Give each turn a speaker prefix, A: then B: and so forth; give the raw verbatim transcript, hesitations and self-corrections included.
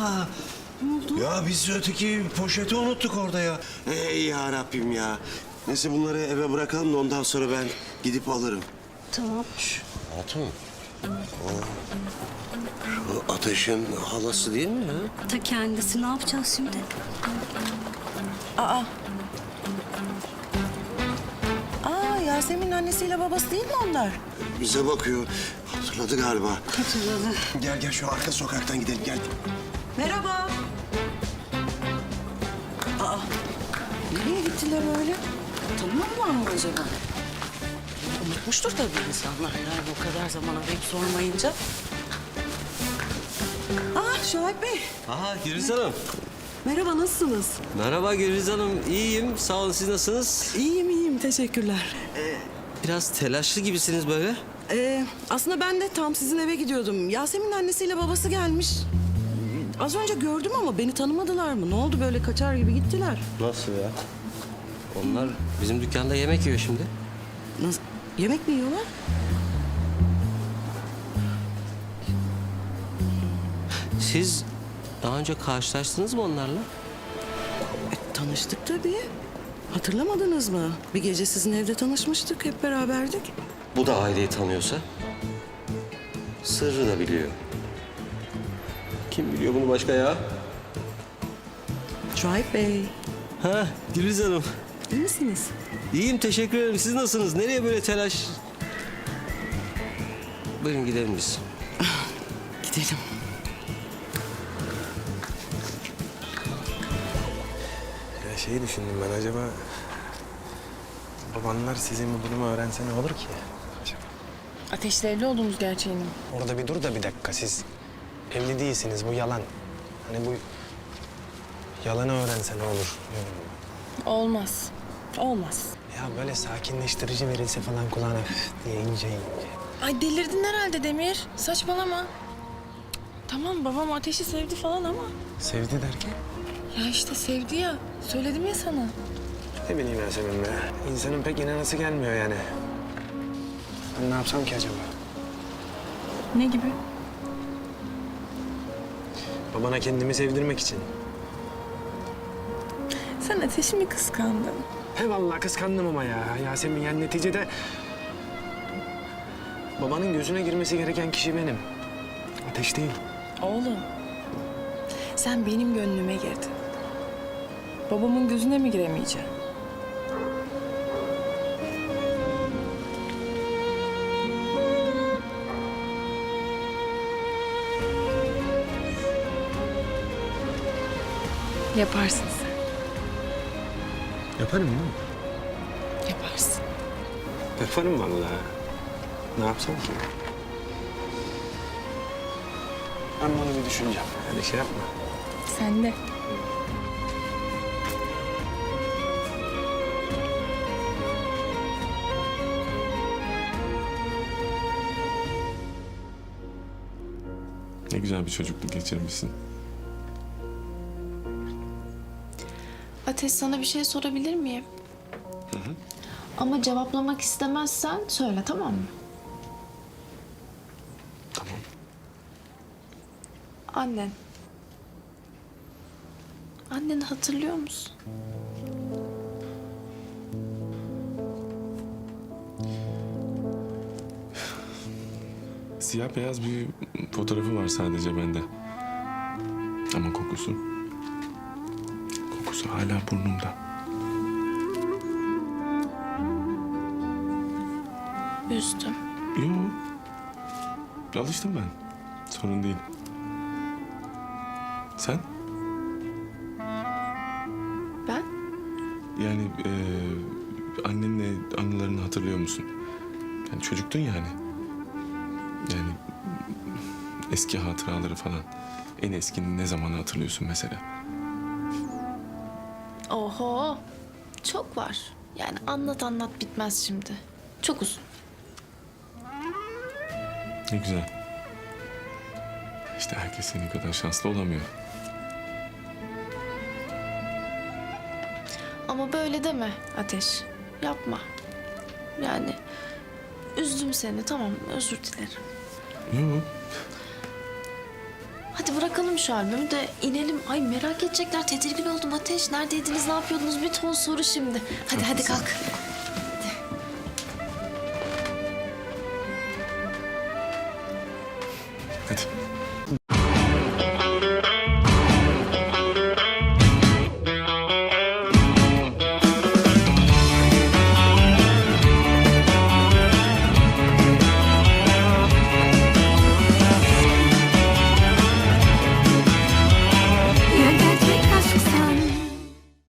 A: Aa,
B: Ne oldu?
A: ya biz öteki poşeti unuttuk orada ya. Ey ya Rabbim ya. Neyse bunları eve bırakalım da ondan sonra ben gidip alırım.
B: Tamam.
A: Şş, Hatun. O, şu Ateş'in halası değil mi ya?
B: Ta kendisi, ne yapacağız şimdi?
C: Aa. Aa, Yasemin'in annesiyle babası değil mi onlar?
A: Bize bakıyor. Hatırladı galiba.
B: Hatırladı.
A: Gel gel şu arka sokaktan gidelim gel.
C: Merhaba. Aa, nereye gittiler öyle?
B: Tanımıyorlar mı acaba?
C: Unutmuştur tabii insanlar yani o kadar zaman arayıp sormayınca. Aa, Şahip Bey.
D: Aha Gülriz Hanım.
C: Merhaba, nasılsınız?
D: Merhaba Gülriz Hanım. İyiyim. Sağ olun. Siz nasılsınız?
C: İyiyim, iyiyim. Teşekkürler.
D: Biraz telaşlı gibisiniz böyle.
C: Ee, aslında ben de tam sizin eve gidiyordum. Yasemin'in annesiyle babası gelmiş. Az önce gördüm ama beni tanımadılar mı? Ne oldu böyle kaçar gibi gittiler?
D: Nasıl ya? Onlar bizim dükkanda yemek yiyor şimdi.
C: Nasıl? Yemek mi yiyorlar?
D: Siz daha önce karşılaştınız mı onlarla?
C: E, tanıştık tabii. Hatırlamadınız mı? Bir gece sizin evde tanışmıştık, hep beraberdik.
D: Bu da aileyi tanıyorsa sırrı da biliyor. Kim biliyor bunu başka ya?
C: Şahip Bey,
D: Ha Gülriz Hanım.
C: iyi misiniz?
D: İyiyim teşekkür ederim. Siz nasılsınız? Nereye böyle telaş? Buyurun gidelim biz.
C: Gidelim.
E: Ya şeyi düşündüm ben, acaba babanlar sizin bu durumu öğrense ne olur ki?
F: Ateşle evli olduğumuz gerçeğini mi?
E: Orada bir dur da bir dakika, siz evli değilsiniz, bu yalan. Hani bu yalanı öğrense ne olur?
F: Olmaz. Olmaz.
E: Ya böyle sakinleştirici verilse falan kulağına üf diye ince ince.
F: Ay delirdin herhalde Demir. Saçmalama. Cık, Tamam babam Ateş'i sevdi falan ama...
E: Sevdi derken?
F: Ya işte sevdi ya. Söyledim ya sana.
E: Ne bileyim Yasemin be. İnsanın pek inanası gelmiyor yani. Ben ne yapsam ki acaba?
F: Ne gibi?
E: Babana kendimi sevdirmek için.
F: Sen Ateş'i mi kıskandın?
E: He vallahi kıskandım ama ya Yasemin, yani neticede babanın gözüne girmesi gereken kişi benim. Ateş değil.
F: Oğlum. Sen benim gönlüme girdin. Babamın gözüne mi giremeyeceksin? Yaparsın sen.
E: Yaparım değil mi?
F: Yaparsın.
E: Yaparım vallahi. Ne yapsam ki? Ben bunu bir düşüneceğim. Hadi şey yapma.
F: Sen de.
G: Ne güzel bir çocukluk geçirmişsin.
H: Ateş, sana bir şey sorabilir miyim? Hı hı. Ama cevaplamak istemezsen söyle, tamam mı?
E: Tamam.
H: Annen. Anneni hatırlıyor musun?
G: Siyah beyaz bir fotoğrafı var sadece bende. Ama kokusu... Kokusu hala burnumda.
H: Üzdüm.
G: Yok. Alıştım ben. Sorun değil. Sen?
H: Ben?
G: Yani e, annenle anılarını hatırlıyor musun? Yani çocuktun yani. Yani eski hatıraları falan. En eskini ne zamanı hatırlıyorsun mesela?
H: Oho. Çok var. Yani anlat anlat bitmez şimdi. Çok uzun.
G: Ne güzel. İşte herkes senin kadar şanslı olamıyor.
H: Ama böyle deme Ateş. Yapma. Yani üzdüm seni, tamam, özür dilerim.
G: Yok.
H: Hadi bırakalım şu albümü de inelim. Ay merak edecekler. Tedirgin oldum Ateş. Neredeydiniz, ne yapıyordunuz? Bir ton soru şimdi. Hadi hadi kalk.